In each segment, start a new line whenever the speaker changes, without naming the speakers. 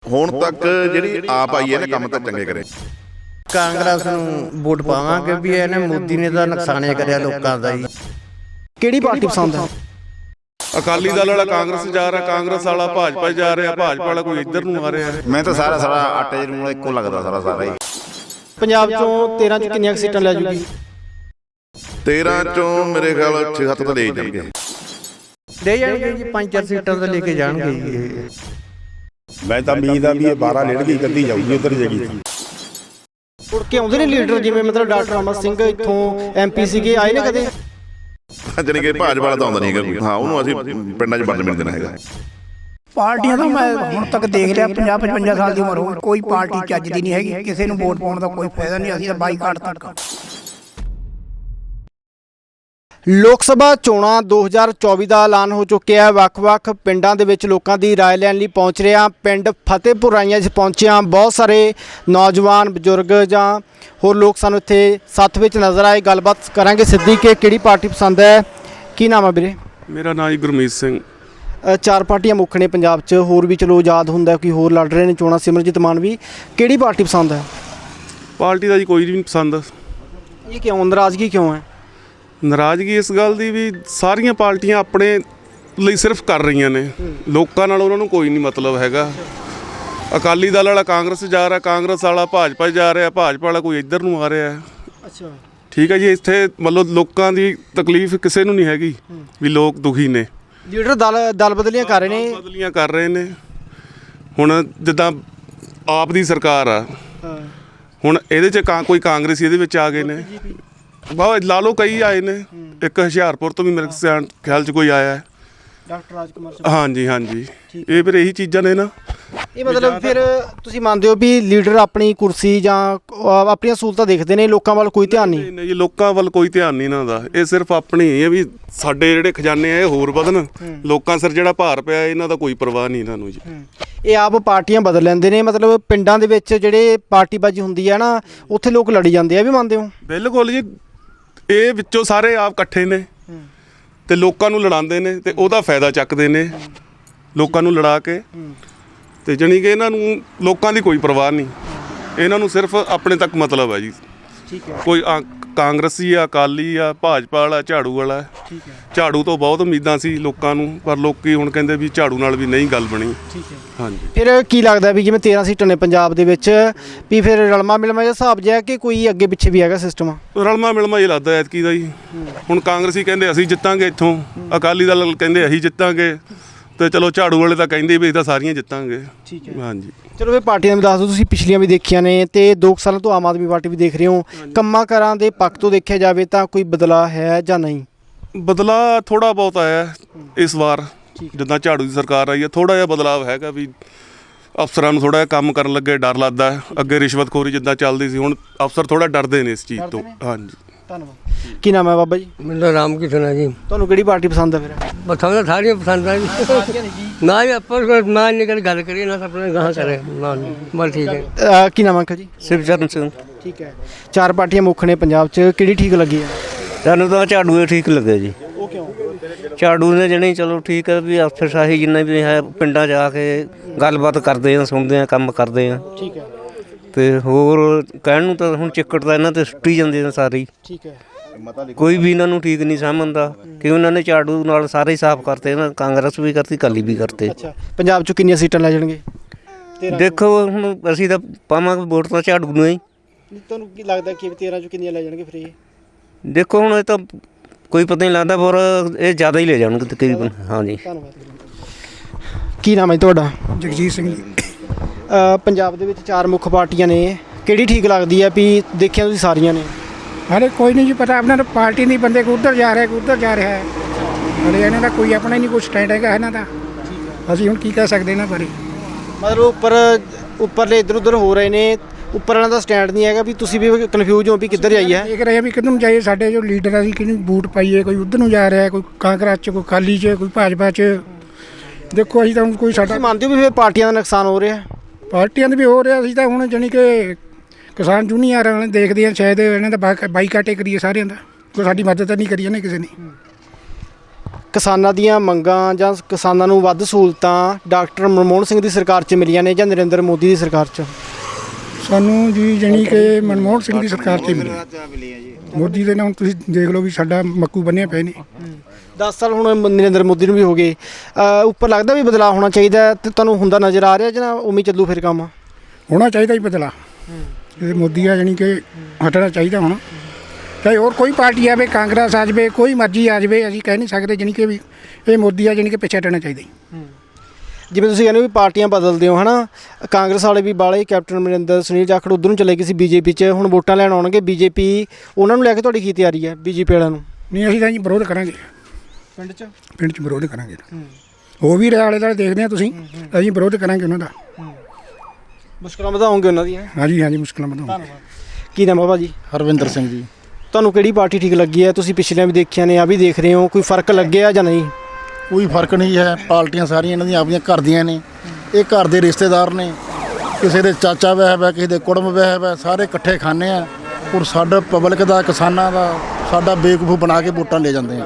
ਹੁਣ तक ਜਿਹੜੀ ਆਪ ਆਈ ਇਹਨੇ ਕੰਮ ਤਾਂ ਚੰਗੇ ਕਰੇ।
ਕਾਂਗਰਸ ਨੂੰ ਵੋਟ ਪਾਵਾਂਗੇ ਵੀ ਇਹਨੇ ਮੋਦੀ ਨੇ ਤਾਂ ਨੁਕਸਾਨੇ ਕਰਿਆ ਲੋਕਾਂ ਦਾ ਜੀ।
ਕਿਹੜੀ ਪਾਰਟੀ ਪਸੰਦ ਹੈ?
ਅਕਾਲੀ ਦਲ ਵਾਲਾ ਕਾਂਗਰਸ ਜਾ ਰਿਹਾ, ਕਾਂਗਰਸ ਵਾਲਾ ਭਾਜਪਾ ਜਾ ਰਿਹਾ, ਭਾਜਪਾ ਵਾਲਾ ਕੋਈ ਇੱਧਰ ਨੂੰ ਆ ਰਿਹਾ।
ਮੈਂ ਤਾਂ ਸਾਰਾ ਆਟੇ ਨੂੰ ਇੱਕੋ ਲੱਗਦਾ ਸਾਰਾ ਹੀ।
ਪੰਜਾਬ ਚੋਂ 13 ਚ ਕਿੰਨੀਆਂ ਸੀਟਾਂ ਲੈ ਜੂਗੀ?
13 ਚੋਂ ਮੇਰੇ ਖਿਆਲ 6-7 ਤਾਂ ਲੈ ਜਾਣਗੇ।
ਲੈ ਜਾਣਗੇ ਜੀ, 5-4 ਸੀਟਾਂ ਤਾਂ ਲੈ ਕੇ ਜਾਣਗੇ ਜੀ।
ਮੈਂ ਤਾਂ ਉਮੀਦ ਆ ਵੀ ਇਹ 12 ਲੜਕੀ ਕੱਢੀ ਜਾਊਗੀ ਉਧਰ ਜਗੀ।
ਮੁੜ ਕੇ ਆਉਂਦੇ ਨੇ ਲੀਡਰ, ਜਿਵੇਂ ਮਤਲਬ ਡਾਕਟਰ ਅਮਰ ਸਿੰਘ ਇੱਥੋਂ MP ਸੀਗੇ, ਆਏ ਨੇ ਕਦੇ?
ਜਾਣੀ ਕਿ ਭਾਜਪਾ ਵਾਲਾ ਤਾਂ ਆਉਂਦਾ ਨਹੀਂ ਹੈਗਾ ਕੋਈ। ਹਾਂ, ਉਹਨੂੰ ਅਸੀਂ ਪਿੰਡਾਂ 'ਚ ਵੜਨ ਦੇਣਾ ਹੈਗਾ।
ਪਾਰਟੀਆਂ ਤਾਂ ਮੈਂ ਹੁਣ ਤੱਕ ਦੇਖ ਲਿਆ, 50-55 ਸਾਲ ਦੀ ਉਮਰ ਹੋ ਗਈ, ਕੋਈ ਪਾਰਟੀ ਚੱਜ ਦੀ ਨਹੀਂ ਹੈਗੀ। ਕਿਸੇ ਨੂੰ ਵੋਟ ਪਾਉਣ ਦਾ ਕੋਈ ਫਾਇਦਾ ਨਹੀਂ, ਅਸੀਂ ਤਾਂ ਬਾਈਕਾਟ ਤੱਕ।
ਲੋਕ ਸਭਾ ਚੋਣਾਂ 2024 ਦਾ ਐਲਾਨ ਹੋ ਚੁੱਕਿਆ ਹੈ। ਵੱਖ-ਵੱਖ ਪਿੰਡਾਂ ਦੇ ਵਿੱਚ ਲੋਕਾਂ ਦੀ ਰਾਏ ਲੈਣ ਲਈ ਪਹੁੰਚ ਰਹੇ ਹਾਂ। ਪਿੰਡ ਫਤਿਹਪੁਰ ਰਾਈਆਂ 'ਚ ਪਹੁੰਚੇ ਹਾਂ। ਬਹੁਤ ਸਾਰੇ ਨੌਜਵਾਨ, ਬਜ਼ੁਰਗ ਜਾਂ ਹੋਰ ਲੋਕ ਸਾਨੂੰ ਇੱਥੇ ਸਾਥ ਵਿੱਚ ਨਜ਼ਰ ਆਏ। ਗੱਲਬਾਤ ਕਰਾਂਗੇ ਸਿੱਧੀ ਕਿ ਕਿਹੜੀ ਪਾਰਟੀ ਪਸੰਦ ਹੈ। ਕੀ ਨਾਮ ਹੈ ਵੀਰੇ?
ਮੇਰਾ ਨਾਂ ਜੀ ਗੁਰਮੀਤ ਸਿੰਘ।
4 ਪਾਰਟੀਆਂ ਮੁੱਖ ਨੇ ਪੰਜਾਬ 'ਚ, ਹੋਰ ਵੀ ਚਲੋ ਆਜ਼ਾਦ ਹੁੰਦਾ, ਕੋਈ ਹੋਰ ਲੜ ਰਹੇ ਨੇ ਚੋਣਾਂ, ਸਿਮਰਜੀਤ ਮਾਨ ਵੀ। ਕਿਹੜੀ ਪਾਰਟੀ ਪਸੰਦ ਹੈ?
ਪਾਰਟੀ ਦਾ ਜੀ ਕੋਈ ਨਹੀਂ ਪਸੰਦ।
ਇਹ ਕਿਉਂ, ਨਾਰਾਜ਼ਗੀ ਕਿਉਂ ਹੈ?
ਨਾਰਾਜ਼ਗੀ ਇਸ ਗੱਲ ਦੀ ਵੀ ਸਾਰੀਆਂ ਪਾਰਟੀਆਂ ਆਪਣੇ ਲਈ ਸਿਰਫ ਕਰ ਰਹੀਆਂ ਨੇ, ਲੋਕਾਂ ਨਾਲ ਉਹਨਾਂ ਨੂੰ ਕੋਈ ਨਹੀਂ ਮਤਲਬ ਹੈਗਾ। ਅਕਾਲੀ ਦਲ ਵਾਲਾ ਕਾਂਗਰਸ ਜਾ ਰਿਹਾ, ਕਾਂਗਰਸ ਵਾਲਾ ਭਾਜਪਾ ਜਾ ਰਿਹਾ, ਭਾਜਪਾ ਵਾਲਾ ਕੋਈ ਇੱਧਰ ਨੂੰ ਆ ਰਿਹਾ।
ਅੱਛਾ,
ਠੀਕ ਹੈ ਜੀ। ਇੱਥੇ ਮਤਲਬ ਲੋਕਾਂ ਦੀ ਤਕਲੀਫ ਕਿਸੇ ਨੂੰ ਨਹੀਂ ਹੈਗੀ ਵੀ ਲੋਕ ਦੁਖੀ ਨੇ।
ਲੀਡਰ ਦਲ ਬਦਲੀਆਂ ਕਰ ਰਹੇ ਨੇ।
ਬਦਲੀਆਂ ਕਰ ਰਹੇ ਨੇ। ਹੁਣ ਜਿੱਦਾਂ ਆਪ ਦੀ ਸਰਕਾਰ ਆ, ਹੁਣ ਇਹਦੇ 'ਚ ਕੋਈ ਕਾਂਗਰਸੀ ਇਹਦੇ ਵਿੱਚ ਆ ਗਏ ਨੇ। ਬਹੁਤ ਲਾ ਲਓ, ਕਈ ਆਏ ਨੇ। ਇੱਕ ਹੁਸ਼ਿਆਰਪੁਰ ਤੋਂ ਵੀ ਮੇਰੇ ਖਿਆਲ 'ਚ ਕੋਈ ਆਇਆ ਹੈ,
ਡਾਕਟਰ ਰਾਜਕੁਮਾਰ।
ਹਾਂਜੀ ਹਾਂਜੀ। ਇਹ ਫਿਰ ਇਹੀ ਚੀਜ਼ਾਂ ਨੇ ਨਾ।
ਇਹ ਮਤਲਬ ਫਿਰ ਤੁਸੀਂ ਮੰਨਦੇ ਹੋ ਵੀ ਲੀਡਰ ਆਪਣੀ ਕੁਰਸੀ ਜਾਂ ਆਪਣੀਆਂ ਸਹੂਲਤਾਂ ਦੇਖਦੇ ਨੇ, ਲੋਕਾਂ ਵੱਲ ਕੋਈ ਧਿਆਨ ਨਹੀਂ?
ਨਹੀਂ ਜੀ, ਲੋਕਾਂ ਵੱਲ ਕੋਈ ਧਿਆਨ ਨਹੀਂ ਇਹਨਾਂ ਦਾ। ਇਹ ਸਿਰਫ ਆਪਣੀ ਇਹ ਵੀ ਸਾਡੇ ਜਿਹੜੇ ਖਜ਼ਾਨੇ ਆ ਇਹ ਹੋਰ ਵਧਣ, ਲੋਕਾਂ ਸਿਰ ਜਿਹੜਾ ਭਾਰ ਪਿਆ ਇਹਨਾਂ ਦਾ ਕੋਈ ਪਰਵਾਹ ਨਹੀਂ ਇਹਨਾਂ ਨੂੰ ਜੀ।
ਇਹ ਆਪ ਪਾਰਟੀਆਂ ਬਦਲ ਲੈਂਦੇ ਨੇ, ਮਤਲਬ ਪਿੰਡਾਂ ਦੇ ਵਿੱਚ ਜਿਹੜੇ ਪਾਰਟੀਬਾਜ਼ੀ ਹੁੰਦੀ ਹੈ ਨਾ, ਉੱਥੇ ਲੋਕ ਲੜੀ ਜਾਂਦੇ ਆ, ਵੀ ਮੰਨਦੇ ਹੋ?
ਬਿਲਕੁਲ ਜੀ। ਇਹ ਵਿੱਚੋਂ ਸਾਰੇ ਆਪ ਇਕੱਠੇ ਨੇ ਤੇ ਲੋਕਾਂ ਨੂੰ ਲੜਾਉਂਦੇ ਨੇ ਤੇ ਉਹਦਾ ਫਾਇਦਾ ਚੱਕਦੇ ਨੇ, ਲੋਕਾਂ ਨੂੰ ਲੜਾ ਕੇ। ਤੇ ਜਾਣੀ ਕਿ ਇਹਨਾਂ ਨੂੰ ਲੋਕਾਂ ਦੀ ਕੋਈ ਪਰਵਾਹ ਨਹੀਂ, ਇਹਨਾਂ ਨੂੰ ਸਿਰਫ ਆਪਣੇ ਤੱਕ ਮਤਲਬ ਹੈ ਜੀ।
ਠੀਕ ਹੈ।
ਕੋਈ ਕਾਂਗਰਸੀ ਆ, ਅਕਾਲੀ ਆ, ਭਾਜਪਾ ਵਾਲਾ, ਝਾੜੂ ਵਾਲਾ।
ਠੀਕ ਹੈ।
ਝਾੜੂ ਤੋਂ ਬਹੁਤ ਉਮੀਦਾਂ ਸੀ ਲੋਕਾਂ ਨੂੰ, ਪਰ ਲੋਕੀ ਹੁਣ ਕਹਿੰਦੇ ਵੀ ਝਾੜੂ ਨਾਲ ਵੀ ਨਹੀਂ ਗੱਲ ਬਣੀ।
ਠੀਕ ਹੈ।
ਹਾਂਜੀ।
ਫਿਰ ਕੀ ਲੱਗਦਾ ਵੀ ਜਿਵੇਂ 13 ਸੀਟਾਂ ਨੇ ਪੰਜਾਬ ਦੇ ਵਿੱਚ, ਵੀ ਫਿਰ ਰਲਮਾ ਮਿਲਮਾ ਜਿਹਾ ਹਿਸਾਬ ਜਿਹਾ ਕਿ ਕੋਈ ਅੱਗੇ ਪਿੱਛੇ ਵੀ ਹੈਗਾ ਸਿਸਟਮ?
ਰਲਮਾ ਮਿਲਮਾ ਹੀ ਲੱਗਦਾ ਐਤਕੀ ਦਾ ਜੀ। ਹੁਣ ਕਾਂਗਰਸੀ ਕਹਿੰਦੇ ਅਸੀਂ ਜਿੱਤਾਂਗੇ ਇੱਥੋਂ, ਅਕਾਲੀ ਦਲ ਕਹਿੰਦੇ ਅਸੀਂ ਜਿੱਤਾਂਗੇ, ਤੇ ਚਲੋ ਝਾੜੂ ਵਾਲੇ ਤਾਂ ਕਹਿੰਦੇ ਵੀ ਅਸੀਂ ਤਾਂ ਸਾਰੀਆਂ ਜਿੱਤਾਂਗੇ।
ਠੀਕ ਹੈ।
ਹਾਂਜੀ।
ਚਲੋ ਇਹ ਪਾਰਟੀਆਂ ਵੀ ਦੱਸ ਦਿਓ, ਤੁਸੀਂ ਪਿਛਲੀਆਂ ਵੀ ਦੇਖੀਆਂ ਨੇ ਤੇ 2 ਸਾਲਾਂ ਤੋਂ ਆਮ ਆਦਮੀ ਪਾਰਟੀ ਵੀ ਦੇਖ ਰਹੇ ਹੋ। ਕੰਮਾਂ ਕਾਰਾਂ ਦੇ ਪੱਖ ਤੋਂ ਦੇਖਿਆ ਜਾਵੇ ਤਾਂ ਕੋਈ ਬਦਲਾਅ ਹੈ ਜਾਂ ਨਹੀਂ?
ਬਦਲਾਅ ਥੋੜ੍ਹਾ ਬਹੁਤ ਆਇਆ ਇਸ ਵਾਰ, ਜਿੱਦਾਂ ਝਾੜੂ ਦੀ ਸਰਕਾਰ ਆਈ ਹੈ, ਥੋੜ੍ਹਾ ਜਿਹਾ ਬਦਲਾਅ ਹੈਗਾ ਵੀ ਅਫਸਰਾਂ ਨੂੰ ਥੋੜ੍ਹਾ ਜਿਹਾ ਕੰਮ ਕਰਨ ਲੱਗੇ ਡਰ ਲੱਗਦਾ। ਅੱਗੇ ਰਿਸ਼ਵਤਖੋਰੀ ਜਿੱਦਾਂ ਚੱਲਦੀ ਸੀ, ਹੁਣ ਅਫਸਰ ਥੋੜ੍ਹਾ ਡਰਦੇ ਨੇ ਇਸ ਚੀਜ਼ ਤੋਂ। ਹਾਂਜੀ।
ਧੰਨਵਾਦ। ਕੀ ਨਾਮ ਹੈ ਬਾਬਾ ਜੀ?
ਮੇਰਾ ਰਾਮ ਕਿਸ਼ਨ ਹੈ ਜੀ।
ਤੁਹਾਨੂੰ ਕਿਹੜੀ ਪਾਰਟੀ ਪਸੰਦ ਹੈ ਫਿਰ?
ਪਸੰਦ ਸਾਰੀਆਂ ਪਸੰਦ ਆ ਜੀ। ਨਾ ਜੀ ਆਪਾਂ ਨਾ ਨਿਕਲ ਗੱਲ ਕਰੀਏ ਨਾ ਆਪਣੇ ਗਾਹਾਂ ਕਰੇ ਨਾ। ਬਸ ਠੀਕ ਹੈ।
ਕੀ ਨਾਮ ਹੈ ਅੰਕਲ ਜੀ?
ਸਿਵਚਰਨ ਸਿੰਘ।
ਠੀਕ ਹੈ। 4 ਪਾਰਟੀਆਂ ਮੁੱਖ ਨੇ ਪੰਜਾਬ 'ਚ, ਕਿਹੜੀ ਠੀਕ ਲੱਗੀ ਹੈ?
ਸਾਨੂੰ ਤਾਂ ਝਾੜੂ ਦੇ ਠੀਕ ਲੱਗੇ ਜੀ।
ਉਹ ਕਿਉਂ?
ਝਾੜੂ ਨੇ ਜਣੀ ਚਲੋ ਠੀਕ ਹੈ ਵੀ ਅਫਸਰਸ਼ਾਹੀ ਜਿੰਨਾ ਵੀ ਹੈ, ਪਿੰਡਾਂ 'ਚ ਆ ਕੇ ਗੱਲਬਾਤ ਕਰਦੇ ਆ, ਸੁਣਦੇ ਆ, ਕੰਮ ਕਰਦੇ ਆ।
ਠੀਕ ਹੈ।
ਤੇ ਹੋਰ ਕਹਿਣ ਨੂੰ ਤਾਂ ਹੁਣ ਚਿੱਕੜ ਤਾਂ ਇਹਨਾਂ ਤੇ ਸੁੱਟੀ ਜਾਂਦੇ ਨੇ ਸਾਰੇ।
ਠੀਕ ਹੈ।
ਕੋਈ ਵੀ ਇਹਨਾਂ ਨੂੰ ਠੀਕ ਨਹੀਂ ਸਮਝਦਾ ਕਿ ਉਹਨਾਂ ਨੇ ਝਾੜੂ ਨਾਲ ਸਾਰੇ ਹੀ ਸਾਫ਼ ਕਰਤੇ ਨਾ, ਕਾਂਗਰਸ ਵੀ ਕਰਤੀ, ਅਕਾਲੀ ਵੀ ਕਰਤੇ।
ਅੱਛਾ, ਪੰਜਾਬ 'ਚ ਕਿੰਨੀਆਂ ਸੀਟਾਂ ਲੈ ਜਾਣਗੇ?
ਦੇਖੋ ਹੁਣ ਅਸੀਂ ਤਾਂ ਪਾਵਾਂਗੇ ਵੋਟ ਤਾਂ ਝਾੜੂ ਨੂੰ ਹੀ।
ਤੁਹਾਨੂੰ ਕੀ ਲੱਗਦਾ ਕਿ 13 'ਚ ਕਿੰਨੀਆਂ ਲੈ ਜਾਣਗੇ ਫਿਰ ਇਹ?
ਦੇਖੋ ਹੁਣ ਇਹ ਤਾਂ ਕੋਈ ਪਤਾ ਨਹੀਂ ਲੱਗਦਾ, ਪਰ ਇਹ ਜ਼ਿਆਦਾ ਹੀ ਲੈ ਜਾਣਗੇ ਤਕਰੀਬਨ। ਹਾਂਜੀ।
ਧੰਨਵਾਦ। ਕੀ ਨਾਮ ਹੈ ਤੁਹਾਡਾ?
ਜਗਜੀਤ ਸਿੰਘ ਜੀ।
ਪੰਜਾਬ ਦੇ ਵਿੱਚ 4 ਮੁੱਖ ਪਾਰਟੀਆਂ ਨੇ, ਕਿਹੜੀ ਠੀਕ ਲੱਗਦੀ ਹੈ? ਵੀ ਦੇਖਿਆ ਤੁਸੀਂ ਸਾਰੀਆਂ ਨੇ?
ਹਾਲੇ ਕੋਈ ਨਹੀਂ ਜੀ ਪਤਾ, ਆਪਣਾ ਤਾਂ ਪਾਰਟੀ ਨਹੀਂ, ਬੰਦੇ ਕੋ ਉੱਧਰ ਜਾ ਰਿਹਾ, ਕੋ ਉੱਧਰ ਜਾ ਰਿਹਾ ਹੈ। ਹਾਲੇ ਇਹਨਾਂ ਦਾ ਕੋਈ ਆਪਣਾ ਹੀ ਨਹੀਂ ਕੋਈ ਸਟੈਂਡ ਹੈਗਾ ਇਹਨਾਂ ਦਾ। ਅਸੀਂ ਹੁਣ ਕੀ ਕਹਿ ਸਕਦੇ ਇਹਨਾਂ ਬਾਰੇ?
ਮਤਲਬ ਉੱਪਰਲੇ ਇੱਧਰ ਉੱਧਰ ਹੋ ਰਹੇ ਨੇ, ਉੱਪਰ ਵਾਲਿਆਂ ਦਾ ਸਟੈਂਡ ਨਹੀਂ ਹੈਗਾ, ਵੀ ਤੁਸੀਂ ਵੀ ਕਨਫਿਊਜ਼ ਹੋ ਵੀ ਕਿੱਧਰ ਜਾਈਏ?
ਦੇਖ ਰਹੇ ਆ ਵੀ ਕਿੱਧਰ ਨੂੰ ਜਾਈਏ। ਸਾਡੇ ਜੋ ਲੀਡਰ ਆ, ਅਸੀਂ ਕਿਹਨੂੰ ਵੋਟ ਪਾਈਏ? ਕੋਈ ਉੱਧਰ ਨੂੰ ਜਾ ਰਿਹਾ, ਕੋਈ ਕਾਂਗਰਸ 'ਚ, ਕੋਈ ਅਕਾਲੀ 'ਚ, ਕੋਈ ਭਾਜਪਾ 'ਚ। ਦੇਖੋ ਅਸੀਂ ਤਾਂ ਹੁਣ ਕੋਈ ਸਾਡਾ
ਤੁਸੀਂ ਮੰਨਦੇ ਹੋ ਵੀ ਫਿਰ ਪਾਰਟੀਆਂ ਦਾ ਨੁਕਸਾਨ ਹੋ ਰਿਹਾ?
ਪਾਰਟੀਆਂ ਦੇ ਵੀ ਹੋ ਰਿਹਾ। ਅਸੀਂ ਤਾਂ ਹੁਣ ਜਾਣੀ ਕਿ ਕਿਸਾਨ ਯੂਨੀਅਨ ਵਾਲੇ ਦੇਖਦੇ ਹਾਂ, ਸ਼ਾਇਦ ਇਹਨਾਂ ਦਾ ਬਾਈਕਾਟੇ ਕਰੀਏ ਸਾਰਿਆਂ ਦਾ। ਕੋਈ ਸਾਡੀ ਮਦਦ ਤਾਂ ਨਹੀਂ ਕਰੀ ਇਹਨੇ ਕਿਸੇ ਨੇ।
ਕਿਸਾਨਾਂ ਦੀਆਂ ਮੰਗਾਂ ਜਾਂ ਕਿਸਾਨਾਂ ਨੂੰ ਵੱਧ ਸਹੂਲਤਾਂ ਡਾਕਟਰ ਮਨਮੋਹਨ ਸਿੰਘ ਦੀ ਸਰਕਾਰ 'ਚ ਮਿਲੀਆਂ ਨੇ ਜਾਂ ਨਰਿੰਦਰ ਮੋਦੀ ਦੀ ਸਰਕਾਰ 'ਚ?
ਸਾਨੂੰ ਜੀ ਜਾਣੀ ਕਿ ਮਨਮੋਹਨ ਸਿੰਘ ਦੀ ਸਰਕਾਰ 'ਚ ਮਿਲੀ। ਮੋਦੀ ਦੇ ਨਾਲ ਤੁਸੀਂ ਦੇਖ ਲਓ ਵੀ ਸਾਡਾ ਮੱਕੂ ਬੰਨਿਆ ਪਏ ਨੇ।
10 ਸਾਲ ਹੁਣ ਨਰਿੰਦਰ ਮੋਦੀ ਨੂੰ ਵੀ ਹੋ ਗਏ। ਉੱਪਰ ਲੱਗਦਾ ਵੀ ਬਦਲਾਅ ਹੋਣਾ ਚਾਹੀਦਾ ਹੈ ਤੇ ਤੁਹਾਨੂੰ ਹੁੰਦਾ ਨਜ਼ਰ ਆ ਰਿਹਾ ਜਾਂ ਉਵੇਂ ਚੱਲੂ ਫਿਰ ਕੰਮ?
ਹੋਣਾ ਚਾਹੀਦਾ ਹੀ ਬਦਲਾ। ਇਹ ਮੋਦੀ ਆ ਜਾਣੀ ਕਿ ਹਟਣਾ ਚਾਹੀਦਾ ਹੁਣ, ਚਾਹੇ ਹੋਰ ਕੋਈ ਪਾਰਟੀ ਆਵੇ, ਕਾਂਗਰਸ ਆ ਜਾਵੇ, ਕੋਈ ਮਰਜ਼ੀ ਆ ਜਾਵੇ, ਅਸੀਂ ਕਹਿ ਨਹੀਂ ਸਕਦੇ ਜਾਣੀ ਕਿ ਵੀ ਇਹ ਮੋਦੀ ਆ ਜਾਣੀ ਕਿ ਪਿੱਛੇ ਹਟਣਾ ਚਾਹੀਦਾ ਜੀ।
ਜਿਵੇਂ ਤੁਸੀਂ ਕਹਿੰਦੇ ਹੋ ਵੀ ਪਾਰਟੀਆਂ ਬਦਲਦੇ ਹੋ, ਹੈ ਨਾ? ਕਾਂਗਰਸ ਵਾਲੇ ਵੀ ਬਾਲੇ, ਕੈਪਟਨ ਅਮਰਿੰਦਰ, ਸੁਨੀਲ ਜਾਖੜ ਉੱਧਰ ਨੂੰ ਚਲੇ ਗਏ ਸੀ ਬੀਜੇਪੀ 'ਚ, ਹੁਣ ਵੋਟਾਂ ਲੈਣ ਆਉਣਗੇ ਬੀਜੇਪੀ, ਉਹਨਾਂ ਨੂੰ ਲੈ ਕੇ ਤੁਹਾਡੀ ਕੀ ਤਿਆਰੀ ਹੈ ਬੀਜੇਪੀ ਵਾਲਿਆਂ ਨੂੰ?
ਨਹੀਂ, ਅਸੀਂ ਤਾਂ ਜੀ ਵਿਰੋਧ ਕਰਾਂਗੇ
ਪਿੰਡ 'ਚ
ਪਿੰਡ 'ਚ ਵਿਰੋਧ ਕਰਾਂਗੇ। ਉਹ ਵੀ ਆਲੇ ਦੁਆਲੇ ਦੇਖਦੇ ਆ ਤੁਸੀਂ, ਅਸੀਂ ਵਿਰੋਧ ਕਰਾਂਗੇ ਉਹਨਾਂ ਦਾ।
ਮੁਸ਼ਕਲਾਂ ਵਧਾਉਂਗੇ ਉਹਨਾਂ ਦੀਆਂ?
ਹਾਂਜੀ ਹਾਂਜੀ, ਮੁਸ਼ਕਲਾਂ ਵਧਾਉਣਗੇ।
ਕੀ ਨਾਮ ਹੈ ਭਾਜੀ?
ਹਰਵਿੰਦਰ ਸਿੰਘ ਜੀ।
ਤੁਹਾਨੂੰ ਕਿਹੜੀ ਪਾਰਟੀ ਠੀਕ ਲੱਗੀ ਹੈ? ਤੁਸੀਂ ਪਿਛਲੀਆਂ ਵੀ ਦੇਖੀਆਂ ਨੇ, ਆ ਵੀ ਦੇਖ ਰਹੇ ਹੋ, ਕੋਈ ਫਰਕ ਲੱਗਿਆ ਜਾਂ ਨਹੀਂ?
ਕੋਈ ਫਰਕ ਨਹੀਂ ਹੈ, ਪਾਰਟੀਆਂ ਸਾਰੀਆਂ ਇਹਨਾਂ ਦੀਆਂ ਆਪਣੀਆਂ ਘਰ ਦੀਆਂ ਨੇ, ਇਹ ਘਰ ਦੇ ਰਿਸ਼ਤੇਦਾਰ ਨੇ, ਕਿਸੇ ਦੇ ਚਾਚਾ ਵਹਿਬ ਹੈ, ਕਿਸੇ ਦੇ ਕੁੜਮ ਵਹਿਬ ਹੈ, ਸਾਰੇ ਇਕੱਠੇ ਖਾਂਦੇ ਆ ਔਰ ਸਾਡਾ ਪਬਲਿਕ ਦਾ, ਕਿਸਾਨਾਂ ਦਾ ਸਾਡਾ ਬੇਵਕੂਫ ਬਣਾ ਕੇ ਵੋਟਾਂ ਲੈ ਜਾਂਦੇ ਆ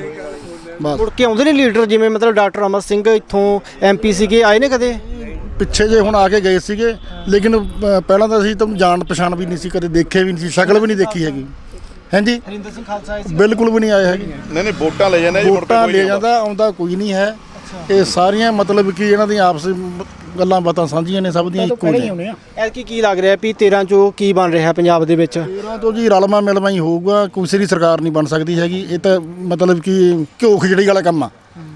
ਬਸ।
ਮੁੜ ਕੇ ਆਉਂਦੇ ਨੇ ਲੀਡਰ, ਜਿਵੇਂ ਮਤਲਬ ਡਾਕਟਰ ਅਮਰ ਸਿੰਘ ਇੱਥੋਂ MP ਸੀਗੇ, ਆਏ ਨੇ ਕਦੇ?
ਪਿੱਛੇ ਜੇ ਹੁਣ ਆ ਕੇ ਗਏ ਸੀਗੇ, ਲੇਕਿਨ ਪਹਿਲਾਂ ਤਾਂ ਅਸੀਂ ਤਾਂ ਜਾਣ ਪਛਾਣ ਵੀ ਨਹੀਂ ਸੀ, ਕਦੇ ਦੇਖੇ ਵੀ ਨਹੀਂ ਸੀ, ਸ਼ਕਲ ਵੀ ਨਹੀਂ ਦੇਖੀ ਹੈਗੀ। ਹਾਂਜੀ,
ਹਰਿੰਦਰ ਸਿੰਘ ਖਾਲਸਾ ਆਏ ਸੀ?
ਬਿਲਕੁਲ ਵੀ ਨਹੀਂ ਆਏ ਹੈਗੇ।
ਨਹੀਂ ਨਹੀਂ ਵੋਟਾਂ ਲੈ ਜਾਂਦੇ ਜੀ, ਮੁੜ ਕੇ
ਵੋਟਾਂ
ਕੋਈ
ਲੈ
ਨਹੀਂ
ਜਾਂਦਾ, ਆਉਂਦਾ ਕੋਈ ਨਹੀਂ ਹੈ। ਇਹ ਸਾਰੀਆਂ ਮਤਲਬ ਕਿ ਇਹਨਾਂ ਦੀਆਂ ਆਪਸ ਗੱਲਾਂ ਬਾਤਾਂ ਸਾਂਝੀਆਂ ਨੇ, ਸਭ ਦੀਆਂ ਇੱਕੋ ਨੇ।
ਐਤਕੀ ਕੀ ਲੱਗ ਰਿਹਾ ਵੀ 13 ਚੋਂ ਕੀ ਬਣ ਰਿਹਾ ਪੰਜਾਬ ਦੇ ਵਿੱਚ?
13 ਤੋਂ ਜੀ ਰਲਮਾ ਮਿਲਮਾ ਹੀ ਹੋਊਗਾ, ਕਿਸੇ ਦੀ ਸਰਕਾਰ ਨਹੀਂ ਬਣ ਸਕਦੀ ਹੈਗੀ। ਇਹ ਤਾਂ ਮਤਲਬ ਕਿ ਘਿਓ ਖਿਚੜੀ ਵਾਲਾ ਕੰਮ ਆ।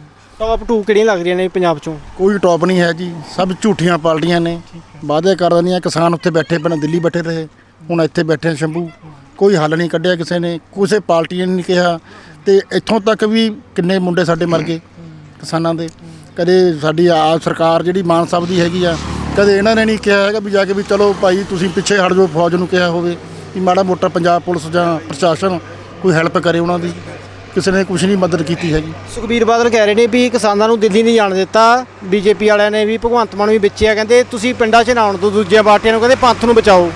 ਟੌਪ 2 ਕਿਹੜੀਆਂ ਲੱਗ ਰਹੀਆਂ ਨੇ ਪੰਜਾਬ ਚੋਂ?
ਕੋਈ ਟੌਪ ਨਹੀਂ ਹੈ ਜੀ, ਸਭ ਝੂਠੀਆਂ ਪਾਰਟੀਆਂ ਨੇ, ਵਾਅਦੇ ਕਰ ਦਿੰਦੀਆਂ। ਕਿਸਾਨ ਉੱਥੇ ਬੈਠੇ, ਪਹਿਲਾਂ ਦਿੱਲੀ ਬੈਠੇ ਰਹੇ, ਹੁਣ ਇੱਥੇ ਬੈਠੇ ਸ਼ੰਭੂ। ਕੋਈ ਹੱਲ ਨਹੀਂ ਕੱਢਿਆ ਕਿਸੇ ਨੇ, ਕਿਸੇ ਪਾਰਟੀ ਨੇ ਨਹੀਂ ਕਿਹਾ। ਤੇ ਇੱਥੋਂ ਤੱਕ ਵੀ ਕਿੰਨੇ ਮੁੰਡੇ ਸਾਡੇ ਮਰ ਗਏ ਕਿਸਾਨਾਂ ਦੇ। ਕਦੇ ਸਾਡੀ ਆ ਸਰਕਾਰ ਜਿਹੜੀ ਮਾਨ ਸਾਹਿਬ ਦੀ ਹੈਗੀ ਆ, ਕਦੇ ਇਹਨਾਂ ਨੇ ਨਹੀਂ ਕਿਹਾ ਹੈਗਾ ਵੀ ਜਾ ਕੇ ਵੀ ਚਲੋ ਭਾਈ ਤੁਸੀਂ ਪਿੱਛੇ ਹਟ ਜਾਓ, ਫੌਜ ਨੂੰ ਕਿਹਾ ਹੋਵੇ ਵੀ ਮਾੜਾ ਮੋਟਾ ਪੰਜਾਬ ਪੁਲਿਸ ਜਾਂ ਪ੍ਰਸ਼ਾਸਨ ਕੋਈ ਹੈਲਪ ਕਰੇ ਉਹਨਾਂ ਦੀ। ਕਿਸੇ ਨੇ ਕੁਝ ਨਹੀਂ ਮਦਦ ਕੀਤੀ ਹੈਗੀ।
ਸੁਖਬੀਰ ਬਾਦਲ ਕਹਿ ਰਹੇ ਨੇ ਵੀ ਕਿਸਾਨਾਂ ਨੂੰ ਦਿੱਲੀ ਨਹੀਂ ਜਾਣ ਦਿੱਤਾ। ਬੀਜੇਪੀ ਵਾਲਿਆਂ ਨੇ ਵੀ ਭਗਵੰਤ ਮਾਨ ਵੀ ਵਿੱਚੇ ਆ, ਕਹਿੰਦੇ ਤੁਸੀਂ ਪਿੰਡਾਂ 'ਚ ਨਾ ਆਉਣ ਤੋਂ ਦੂਜੀਆਂ ਪਾਰਟੀਆਂ ਨੂੰ, ਕਹਿੰਦੇ ਪੰਥ ਨੂੰ ਬਚਾਓ।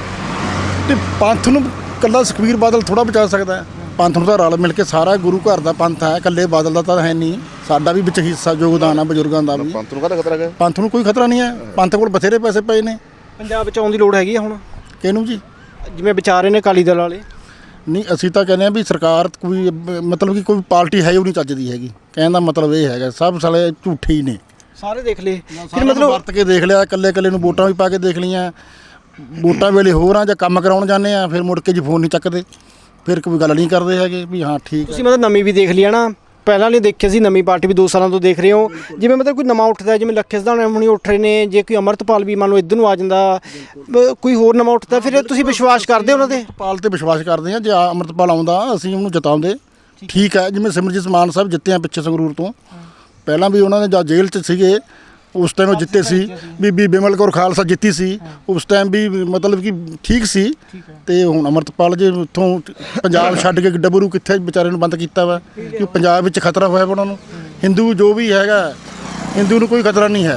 ਤੇ ਪੰਥ ਨੂੰ ਇਕੱਲਾ ਸੁਖਬੀਰ ਬਾਦਲ ਥੋੜਾ ਬਚਾ ਸਕਦਾ ਹੈ। ਪੰਥ ਨੂੰ ਤਾਂ ਰਲ ਮਿਲ ਕੇ, ਸਾਰਾ ਗੁਰੂ ਘਰ ਦਾ ਪੰਥ ਹੈ, ਇਕੱਲੇ ਬਾਦਲ ਦਾ ਤਾਂ ਹੈ ਨਹੀਂ। ਸਾਡਾ ਵੀ ਵਿੱਚ ਹਿੱਸਾ ਯੋਗਦਾਨ ਆ, ਬਜ਼ੁਰਗਾਂ ਦਾ ਵੀ।
ਪੰਥ ਨੂੰ ਕਾਹਦਾ ਖਤਰਾ ਹੈ?
ਪੰਥ ਨੂੰ ਕੋਈ ਖਤਰਾ ਨਹੀਂ ਹੈ, ਪੰਥ ਕੋਲ ਬਥੇਰੇ ਪੈਸੇ ਪਏ ਨੇ।
ਪੰਜਾਬ ਵਿੱਚ ਆਉਣ ਦੀ ਲੋੜ ਹੈਗੀ ਆ ਹੁਣ,
ਕਿਹਨੂੰ ਜੀ?
ਜਿਵੇਂ ਵਿਚਾਰ ਰਹੇ ਨੇ ਅਕਾਲੀ ਦਲ ਵਾਲੇ।
ਨਹੀਂ, ਅਸੀਂ ਤਾਂ ਕਹਿੰਦੇ ਆ ਵੀ ਸਰਕਾਰ ਕੋਈ ਮਤਲਬ ਕਿ ਕੋਈ ਪਾਰਟੀ ਹੈ ਉਹ ਨਹੀਂ ਚੱਜਦੀ ਹੈਗੀ। ਕਹਿਣ ਦਾ ਮਤਲਬ ਇਹ ਹੈਗਾ, ਸਭ ਸਾਲੇ ਝੂਠੇ ਹੀ ਨੇ।
ਸਾਰੇ ਦੇਖ ਲਏ
ਫਿਰ ਮਤਲਬ ਵਰਤ ਕੇ ਦੇਖ ਲਿਆ, ਇਕੱਲੇ ਨੂੰ ਵੋਟਾਂ ਵੀ ਪਾ ਕੇ ਦੇਖ ਲਈਆਂ। ਵੋਟਾਂ ਵੇਲੇ ਹੋਰ ਆ ਜਾਂ ਕੰਮ ਕਰਾਉਣ ਜਾਂਦੇ ਆ, ਫਿਰ ਮੁੜ ਕੇ ਜੀ ਫੋਨ ਨਹੀਂ ਚੱਕਦੇ, ਫਿਰ ਕੋਈ ਗੱਲ ਨਹੀਂ ਕਰਦੇ ਹੈਗੇ ਵੀ ਹਾਂ ਠੀਕ ਹੈ।
ਤੁਸੀਂ ਮਤਲਬ ਨਵੀਂ ਵੀ ਦੇਖ ਲਿਆ ਨਾ, ਪਹਿਲਾਂ ਨਹੀਂ ਦੇਖਿਆ ਸੀ, ਨਵੀਂ ਪਾਰਟੀ ਵੀ 2 ਸਾਲਾਂ ਤੋਂ ਦੇਖ ਰਹੇ ਹੋ। ਜਿਵੇਂ ਮਤਲਬ ਕੋਈ ਨਵਾਂ ਉੱਠਦਾ, ਜਿਵੇਂ ਲੱਖੇ ਸਿਧਾਣਾ ਹੁਣੀ ਉੱਠ ਰਹੇ ਨੇ, ਜੇ ਕੋਈ ਅਮਰਤਪਾਲ ਵੀ ਮੰਨ ਲਓ ਇੱਧਰ ਨੂੰ ਆ ਜਾਂਦਾ, ਕੋਈ ਹੋਰ ਨਵਾਂ ਉੱਠਦਾ, ਫਿਰ ਤੁਸੀਂ ਵਿਸ਼ਵਾਸ ਕਰਦੇ ਹੋ ਉਹਨਾਂ ਦੇ?
ਪਾਲ ਤੇ ਵਿਸ਼ਵਾਸ ਕਰਦੇ ਆ, ਜੇ ਅੰਮ੍ਰਿਤਪਾਲ ਆਉਂਦਾ ਅਸੀਂ ਉਹਨੂੰ ਜਿਤਾਉਂਦੇ। ਠੀਕ ਹੈ, ਜਿਵੇਂ ਸਿਮਰਜੀਤ ਮਾਨ ਸਾਹਿਬ ਜਿੱਤੇ ਆ ਪਿੱਛੇ ਸੰਗਰੂਰ ਤੋਂ, ਪਹਿਲਾਂ ਵੀ ਉਹਨਾਂ ਨੇ ਜਾਂ ਜੇਲ੍ਹ 'ਚ ਸੀਗੇ ਉਸ ਟਾਈਮ ਉਹ ਜਿੱਤੇ ਸੀ। ਬੀਬੀ ਬਿਮਲ ਕੌਰ ਖਾਲਸਾ ਜਿੱਤੀ ਸੀ ਉਸ ਟਾਈਮ ਵੀ, ਮਤਲਬ ਕਿ ਠੀਕ ਸੀ। ਤੇ ਹੁਣ ਅੰਮ੍ਰਿਤਪਾਲ ਜੇ ਉੱਥੋਂ ਪੰਜਾਬ ਛੱਡ ਕੇ ਡਬਰੂ ਕਿੱਥੇ ਵਿਚਾਰੇ ਨੂੰ ਬੰਦ ਕੀਤਾ ਵਾ, ਕਿ ਪੰਜਾਬ ਵਿੱਚ ਖਤਰਾ ਹੋਇਆ ਵਾ ਉਹਨਾਂ ਨੂੰ। ਹਿੰਦੂ ਜੋ ਵੀ ਹੈਗਾ, ਹਿੰਦੂ ਨੂੰ ਕੋਈ ਖਤਰਾ ਨਹੀਂ ਹੈ।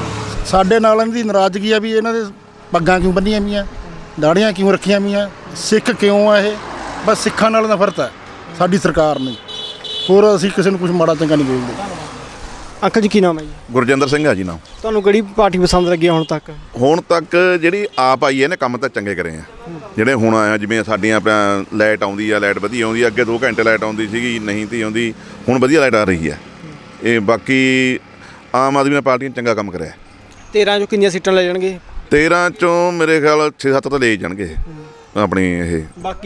ਸਾਡੇ ਨਾਲ ਇਹਨਾਂ ਦੀ ਨਾਰਾਜ਼ਗੀ ਆ ਵੀ ਇਹਨਾਂ ਦੇ ਪੱਗਾਂ ਕਿਉਂ ਬੰਨੀਆਂ ਵੀਆਂ, ਦਾੜੀਆਂ ਕਿਉਂ ਰੱਖੀਆਂ ਵੀਆਂ, ਸਿੱਖ ਕਿਉਂ ਆ ਇਹ? ਬਸ ਸਿੱਖਾਂ ਨਾਲ ਨਫ਼ਰਤ ਹੈ ਸਾਡੀ ਸਰਕਾਰ ਨੂੰ, ਹੋਰ ਅਸੀਂ ਕਿਸੇ ਨੂੰ ਕੁਝ ਮਾੜਾ ਚੰਗਾ ਨਹੀਂ ਬੋਲਦੇ।
ਅੰਕਲ ਜੀ ਕੀ ਨਾਮ ਹੈ ਜੀ?
ਗੁਰਜਿੰਦਰ ਸਿੰਘ ਆ ਜੀ ਨਾਮ।
ਤੁਹਾਨੂੰ ਕਿਹੜੀ ਪਾਰਟੀ ਪਸੰਦ ਲੱਗੀ ਹੁਣ ਤੱਕ?
ਹੁਣ ਤੱਕ ਜਿਹੜੀ ਆਪ ਆਈ ਹੈ ਨੇ ਕੰਮ ਤਾਂ ਚੰਗੇ ਕਰੇ ਆ। ਜਿਹੜੇ ਹੁਣ ਆਇਆ, ਜਿਵੇਂ ਸਾਡੀਆਂ ਆਪਣਾ ਲਾਈਟ ਆਉਂਦੀ ਆ, ਲਾਈਟ ਵਧੀਆ ਆਉਂਦੀ ਆ। ਅੱਗੇ 2 ਘੰਟੇ ਲਾਈਟ ਆਉਂਦੀ ਸੀਗੀ, ਨਹੀਂ ਤੀ ਆਉਂਦੀ, ਹੁਣ ਵਧੀਆ ਲਾਈਟ ਆ ਰਹੀ ਹੈ। ਇਹ ਬਾਕੀ ਆਮ ਆਦਮੀ ਪਾਰਟੀ ਨੇ ਚੰਗਾ ਕੰਮ ਕਰਿਆ।
13 ਚੋਂ ਕਿੰਨੀਆਂ ਸੀਟਾਂ ਲੈ ਜਾਣਗੇ?
13 ਚੋਂ ਮੇਰੇ ਖਿਆਲ 6-7 ਤਾਂ ਲੈ ਜਾਣਗੇ ਆਪਣੀ ਇਹ।